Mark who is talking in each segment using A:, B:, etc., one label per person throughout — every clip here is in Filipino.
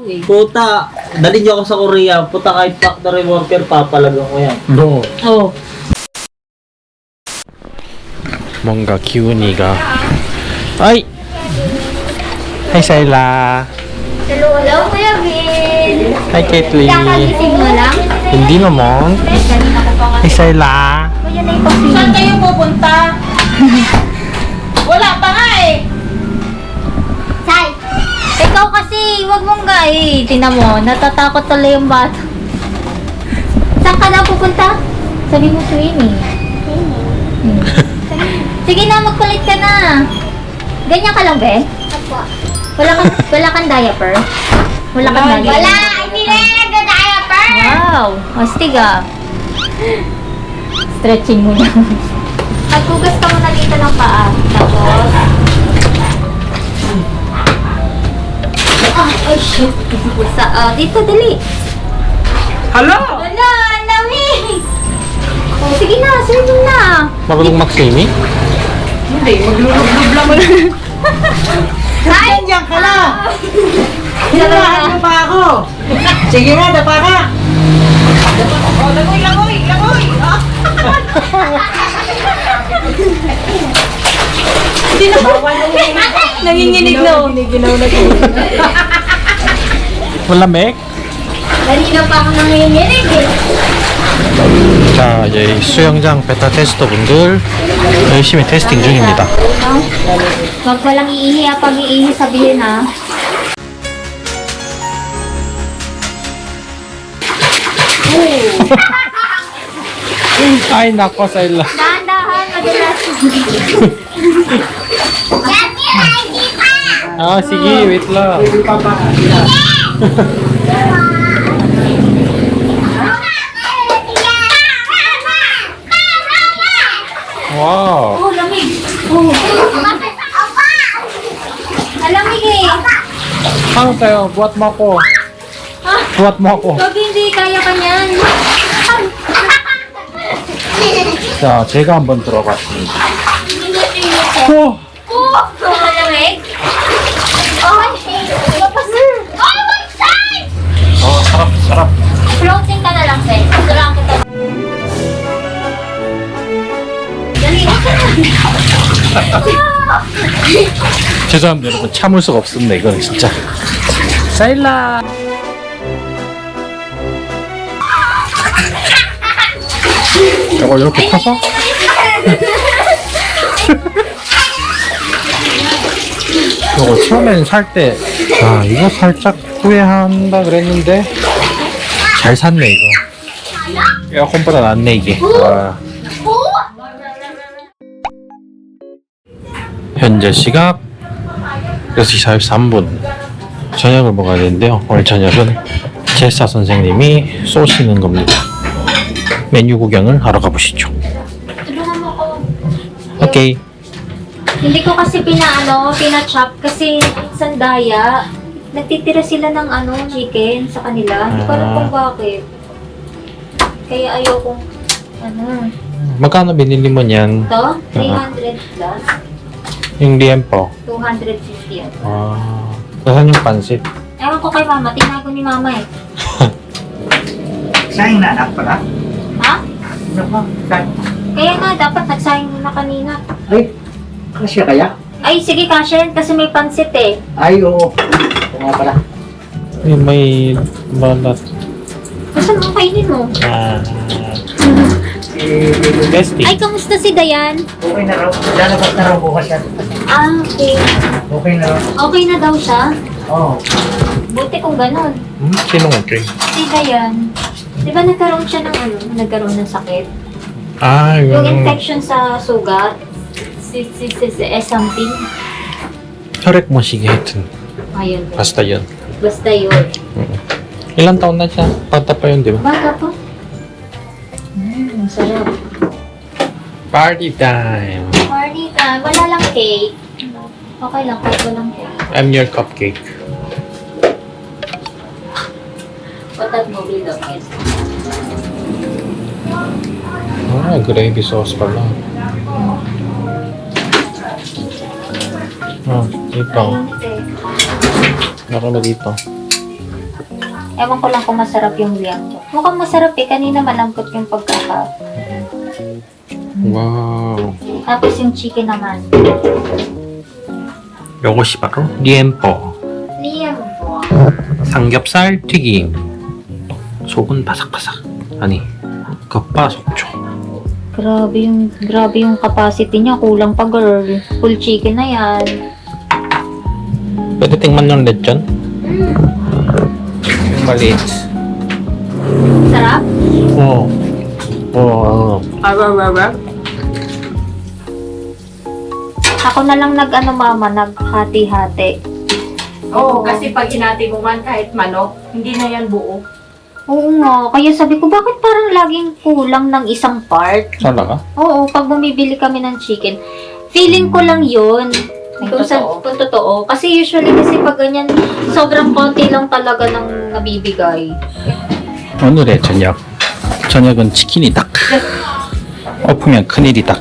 A: eh.
B: Puta, dali niyo ako sa Korea. Puta, kahit factory worker, papalagang ko yan.
C: No.
A: Oh.
C: 뭔가 기운이가. 아이. Hi, Sayla.
D: Hello, Kuya Bill.
C: Hi, Caitlyn.
D: Kakagising mo lang?
C: Hindi naman.
D: Kanina ko pa nga.
C: Hi, Sayla.
D: Kuya na yung
A: Saan kayo pupunta? Wala pa nga eh.
D: Say! Ikaw kasi, wag mong tinan mo, natatakot tuloy yung bata. Saan ka na pupunta? Sabi mo swimming. Sige na, magkulit ka na. Ganyan ka lang, be? Apo. Wala kang diaper? Wala kang diaper? Wala! Hindi na yan nagda-diaper! Wow! Astig ah. Stretching mo na. Maghugas ka muna dito ng paa. Tapos... Ay, shit. Dito, dali.
C: Hello.
D: Wala, ang dami. Oh, sige na, swimming na.
C: Marunong mag-swimming?
A: Hindi, maglulublob lang mo na.
D: Ay,
B: Diyan ka na! Hinahan mo pa ako! Sige nga, dapa ka!
A: Oh, langoy, langoy, langoy. Ah. Hindi na.
D: nanginginig na.
A: Giniginaw na ko.
C: Malamig?
D: Kanina pa ako nanginginig eh.
C: 자, 이제 수영장 베타 테스터 분들 열심히 테스팅 중입니다.
D: Huwag walang iihi ah. Pag iihi sabihin ah.
C: Ay, nako, Sayla.
D: Dahan-dahan, madulas.
C: Ah, sige, wait lang. Wow.
D: Oh, lamig. Oh. Alamig eh.
C: Ano tayo? Buat mo ako. Buat mo ako.
D: Pag hindi kaya ka niyan.
C: 자, 제가 한번 들어봤습니다. 오!
D: Oh, malamig. Oh, lapas. Oh, my God!
C: sarap, sarap.
D: Floating ka na lang, Seth. Tulang kita. Dali.
C: 죄송합니다, 여러분. 참을 수가 없습니다, 이거는 진짜. 사일라! 이걸 이렇게 펴서? 이거 처음엔 살 때, 아, 이거 살짝 후회한다 그랬는데, 잘 샀네, 이거. 에어컨보다 낫네, 이게. 와. 현재 시각 6시 43분. 저녁을 먹어야 되는데요. 오늘 저녁은 제사 선생님이 쏘시는 겁니다. 메뉴 구경을 하러 가보시죠.
D: Tulungan mo ko.
C: 오케이.
D: Hindi ko kasi pina-chop kasi sandaya. Nagtitira sila ng chicken sa kanila. Hindi ko alam kung bakit. Kaya ayokong
C: magkano binili mo niyan?
D: Ito, 300 plus.
C: Yung liempo.
D: 250 yan.
C: Ah, saan yung pansit?
D: Ewan ko kay mama, tinago ni mama eh.
B: Sayang na anak pala.
D: Ha?
B: Ano ba?
D: Kaya nga, dapat nagsayang na kanina.
B: Ay, kasya kaya?
D: Ay, sige Kashen, kasi may pansit eh.
B: Ay, oo. Oo nga pala.
C: may balat.
D: Gusto mo kainin mo?
C: Ah, testing.
D: Ay, kamusta si Dayan?
B: Okay na raw. Lalabas na raw bukas yan.
D: Ah, okay.
B: Okay na raw.
D: Okay na daw siya?
B: Oo.
D: Buti kung ganun.
C: Sinong okay?
D: Si Dayan, di ba nagkaroon siya ng nagkaroon ng sakit?
C: Ah,
D: Yung
C: yung
D: infection sa sugat, something.
C: 혈액 모시기 하여튼.
D: Ayun.
C: basta yun.
D: Basta yun.
C: Ilang taon na siya? Bata pa yun, di ba?
D: Baka pa. Sarap.
C: Party time!
D: Party time. Wala lang cake. Okay lang, kahit walang cake.
C: I'm your cupcake.
D: Patat mo, Bilog.
C: Ah, gravy sauce pala. Ah, dito.
D: Ayun, eh.
C: Meron na dito.
D: Ewan ko lang kung masarap yung lianggo. Mukhang masarap eh. Kanina malambot yung pagkaka.
C: Wow.
D: Tapos yung chicken naman.
C: 요것이 바로 리엠po.
D: Lianggo.
C: 삼겹살 튀김. 속은 바삭바삭. 아니, 겉바 속촉.
D: Grabe yung capacity niya. Kulang pa girl. Full chicken na yan.
C: Pwede tingnan yung lechon? Yung maliit.
D: Sarap?
C: Oo. Oo.
D: Ako na lang naghati-hati.
A: Oo, kasi pag hinati mo man kahit manok, hindi na yan buo.
D: Oo nga. Kaya sabi ko, bakit parang laging kulang ng isang part?
C: Talaga?
D: Oo, pag bumibili kami ng chicken, feeling ko lang yun. Kung totoo. Kasi usually kasi pag ganyan, sobrang konti lang talaga ng nabibigay.
C: 오늘의 저녁. 저녁은 치킨이다. 엎으면 큰일이다.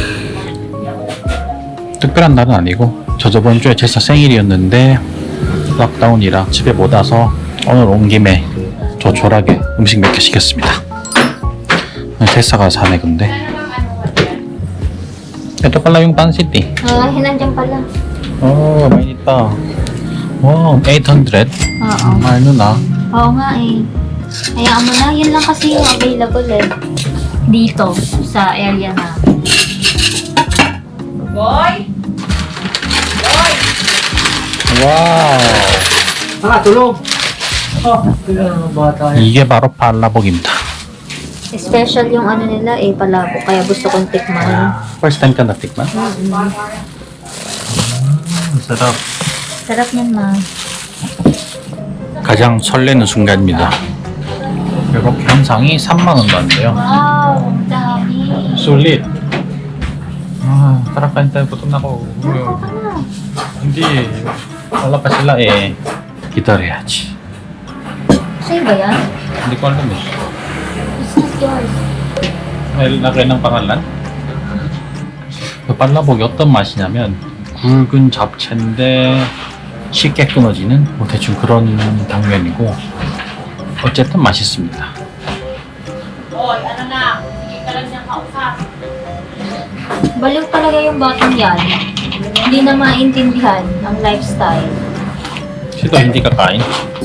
C: 특별한 날은 아니고 저 저번 주에 제사 생일이었는데 락다운이라 집에 못 와서 오늘 온 김에 조촐하게 음식 몇 개 시켰습니다. 제사가 사네 근데. Ito pala yung pancit eh.
D: Hinandyan pala.
C: Oh, may ito. Wow, 800.
D: Oo.
C: Mahal nun ah.
D: Oo nga eh. Hayaan mo na, yun lang kasi yung available eh. Dito, sa area na.
A: Boy! Boy!
C: 와우.
B: tulog. Kailangan bata yan.
C: 이게 바로 발라복입니다.
D: Special yung ano nila eh, palabo. Kaya gusto kong tikman.
C: First time ka natikman? sarap.
D: Sarap yan ma.
C: 가장 설레는 순간입니다. 이렇게 현상이 3만 원도 안 돼요.
D: Wow, ang dami.
C: Sulit. Ah, tara kain tayo, gutom na ako.
D: Baka na.
C: Hindi, wala pa sila eh. 기다려야지.
D: Sa'yo ba yan?
C: hindi ko alam eh.
D: It's not yours.
C: may lagay ng pangalan? 그 발라복이 어떤 맛이냐면 굵은 잡채인데 쉽게 끊어지는 뭐 대충 그런 당면이고 어쨌든 맛있습니다.
A: Boy, ano na? Sige ka lang niyang kausap.
D: Baliw talaga yung batang yan. Hindi na maintindihan ang lifestyle.
C: 시도 hindi kakain?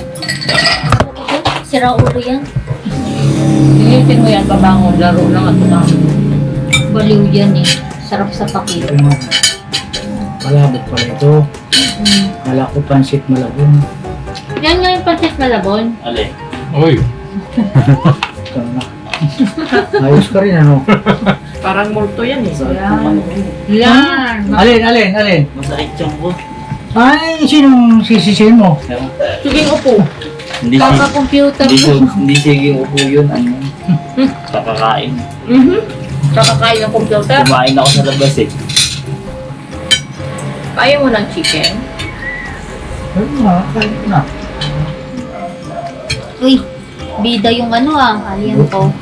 D: Sira ulo yan.
A: Silipin mo yan, babangon. Laro lang at tumama.
D: Baliw yan eh. Sarap sa pakit.
B: Malabot pala ito. Kala ko pansit malabon.
D: Yan nga yung pancit malabon.
C: 알레. 어이.
B: Ito na. Ayos ka rin ano.
A: Parang multo yan eh.
D: Yan.
B: Alin?
E: Masakit yung ko.
B: Ay, sinong sisisihin mo?
A: Sige, upo.
E: Hindi
D: Kaka-computer.
E: hindi sige upo yun. Ano? Kakakain.
A: Kakakain ng computer.
E: Kumain ako sa labas eh.
A: Kaya mo ng chicken.
B: Ayun nga, kahit na.
D: Uy, bida yung ano alien ko.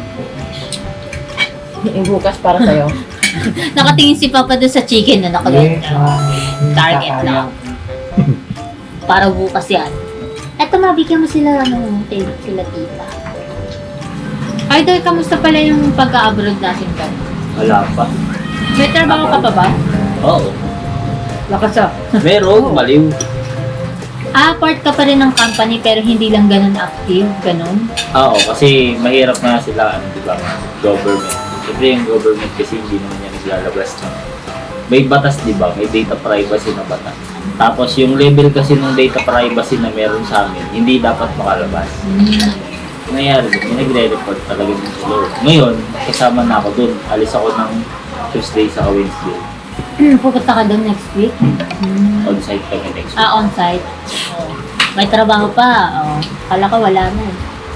A: Ibukas para sa'yo.
D: Nakatingin si Papa doon sa chicken na nakalot. Target lang. Para bukas yan. Eto, mabigyan mo sila, sila tita. Idol, kamusta pala yung pagka-abroad natin ka?
E: Wala pa.
D: May trabaho ka pa ba?
E: Oo.
A: Lakas ah.
E: Meron, maliw.
D: Part ka pa rin ng company pero hindi lang ganun active, ganun.
E: Oo, kasi mahirap na sila, ano, di ba, government. Siyempre yung government kasi hindi naman yan naglalabas ng... May batas, di ba? May data privacy na batas. Tapos yung level kasi ng data privacy na meron sa amin, hindi dapat makalabas. Nangyari doon, may nagre-report talaga yung sila. Ngayon, kasama na ako doon. Alis ako ng Tuesday sa Wednesday.
D: Pupunta ka doon next week?
E: On-site kami next week.
D: On-site. Oh. May trabaho pa. Oh. Kala ko wala na.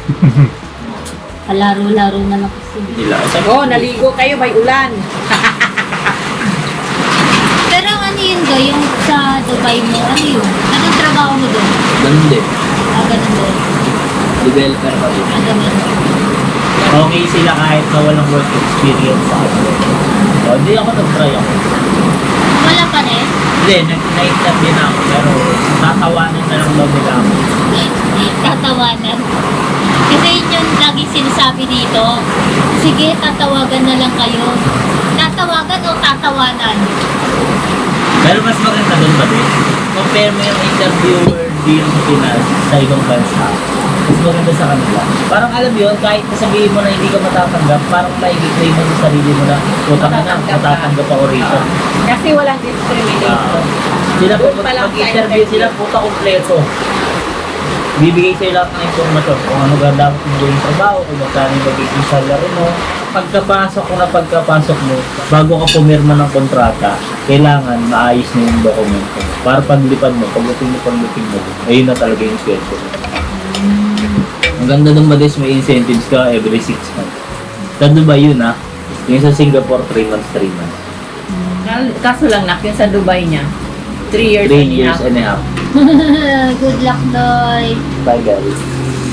D: Kalaro-laro na lang kasi.
E: Nila.
A: Oh, naligo kayo, may ulan.
D: Pero ano yun ga, yung sa Dubai mo, ano yun? Anong trabaho mo doon?
E: Ganun din.
D: Ganun din.
E: Developer pa din.
D: Ganun.
E: Okay sila kahit na walang work experience sa akin. So, hindi ako nag-try ako.
D: Wala pa rin?
E: Hindi, nag-interview na ako pero tatawanan na lang daw nila ako.
D: Tatawanan. Kasi yun yung lagi sinasabi dito. Sige, tatawagan na lang kayo. Tatawagan o tatawanan?
E: Pero mas maganda doon ba din? Compare mo yung interviewer dito sa Pinas sa ibang bansa. Mas maganda sa kanila. Parang alam yun, kahit nasabihin mo na hindi ka matatanggap, parang maigi-claim mo sa sarili mo na utang na, matatanggap ako rito.
A: Kasi walang discrimination.
E: Sila po,
A: Doon pa lang sa
E: mag-interview sila, puta kompleto. Bibigay sa'yo lahat ng informasyon kung ano ba dapat mo gawing trabaho, kung magkano yung magiging salary mo. Pagkapasok mo, bago ka pumirma ng kontrata, kailangan maayos na yung dokumento. Para paglipad mo, pagdating mo, ayun na talaga yung sweldo mo. Ang ganda ng Mades, may incentives ka every 6 months. Sa Dubai yun yung sa Singapore 3 months.
A: Kaso lang nak, yung sa Dubai niya, 3 years
E: 3
A: and a
E: years
A: half.
E: and a half.
D: Good luck, Doy.
E: Bye guys.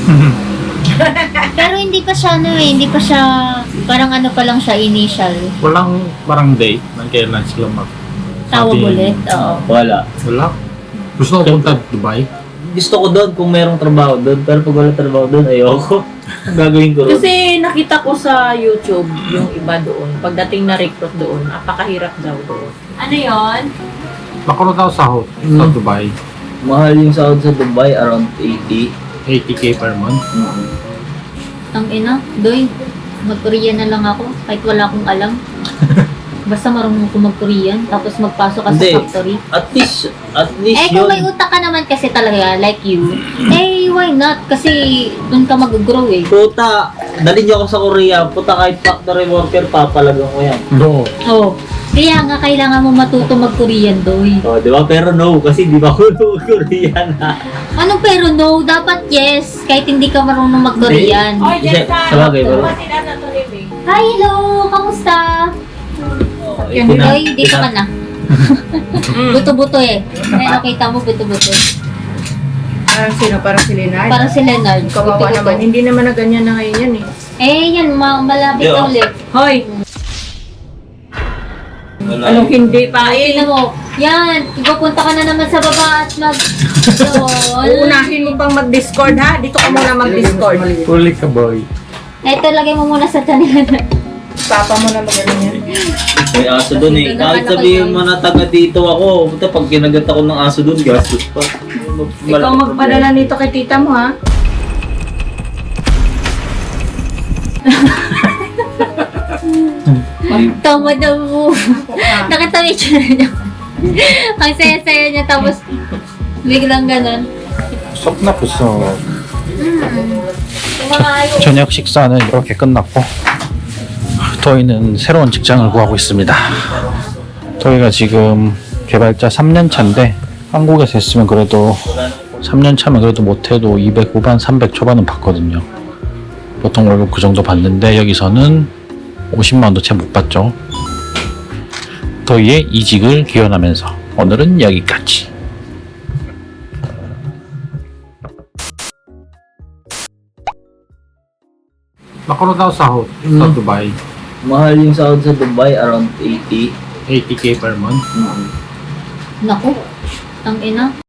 D: Pero hindi pa siya hindi pa siya, parang ano pa lang siya initial.
C: Walang parang date ng kailan sila
D: Tawag ulit, oo.
E: Wala.
C: Wala. Gusto ko punta Dubai?
E: Gusto ko doon kung merong trabaho doon, pero pag wala trabaho doon, ayoko. Ang gagawin ko ron.
A: Kasi nakita ko sa YouTube yung iba doon. Pagdating na recruit doon, napakahirap daw doon. Ano yon?
C: Makano daw sahod sa Dubai?
E: Mahal yung sahod sa Dubai, around 80.
C: 80k per month.
D: Ang ina, Doy, mag-Korean na lang ako kahit wala akong alam. Basta marunong ako mag-Korean, tapos magpasok ka
E: Hindi.
D: sa factory.
E: At least
D: Kung
E: yun.
D: may utak ka naman kasi talaga, like you, why not? Kasi dun ka mag-grow eh.
E: Puta, dali niyo ako sa Korea. Puta, kahit factory worker, papalagang ko yan.
C: No.
D: Oh, kaya nga kailangan mo matuto mag-Korean, Doy.
E: Oh, di ba? Pero no, kasi di ba ako Korean
D: Ano pero no? Dapat yes, kahit hindi ka marunong mag-Korean.
A: Oy,
E: Isa-
A: Jensa!
E: sabagay, bro.
A: Sila na to living.
D: Hi, hello! Kamusta?
E: Oh,
D: Doy, dito ka na. Buto-buto eh. Nakita mo buto-buto.
A: Parang sino? Parang si Leonard?
D: Parang si Leonard.
A: Kawawa
D: Buto-buto.
A: naman. Hindi naman na ganyan na ngayon yan eh.
D: Yan, malapit
E: Yo.
D: na ulit.
A: Hoy!
E: Wala.
A: Anong hindi pa eh?
D: Tingnan mo, yan, ipapunta ka na naman sa baba at mag...
A: Uunahin mo pang mag-discord ha? Dito ka muna mag-discord.
C: Huli ka boy.
D: Eto, lagay mo muna sa taningan.
A: Papa mo na magaling yan.
E: May aso doon eh.
D: Dito
E: Kahit
D: naman ako
E: sabihin
D: yun.
E: mo na taga dito ako, puta, pag kinagat ako ng aso doon, gastos pa.
A: Ikaw magpadala nito kay tita mo ha?
D: Tama na mo. Nakatawi siya niya. Ang saya-saya niya, tapos biglang ganun.
C: 속 나쁘어.
D: Yung mga ayaw.
C: 저녁 식사는 이렇게 끝났고 도희는 새로운 직장을 구하고 있습니다. 도희가 지금 개발자 3년 차인데 한국에서 했으면 그래도 3년 차면 그래도 못해도 200 후반 300 초반은 받거든요. 보통 월급 그 정도 받는데 여기서는 50만 원도 채 못 받죠. 도희의 이직을 기원하면서 오늘은 여기까지. Makano daw sahod sa Dubai?
E: Mahal yung sahod sa Dubai, around 80.
C: 80k per month.
D: Naku, ang ina.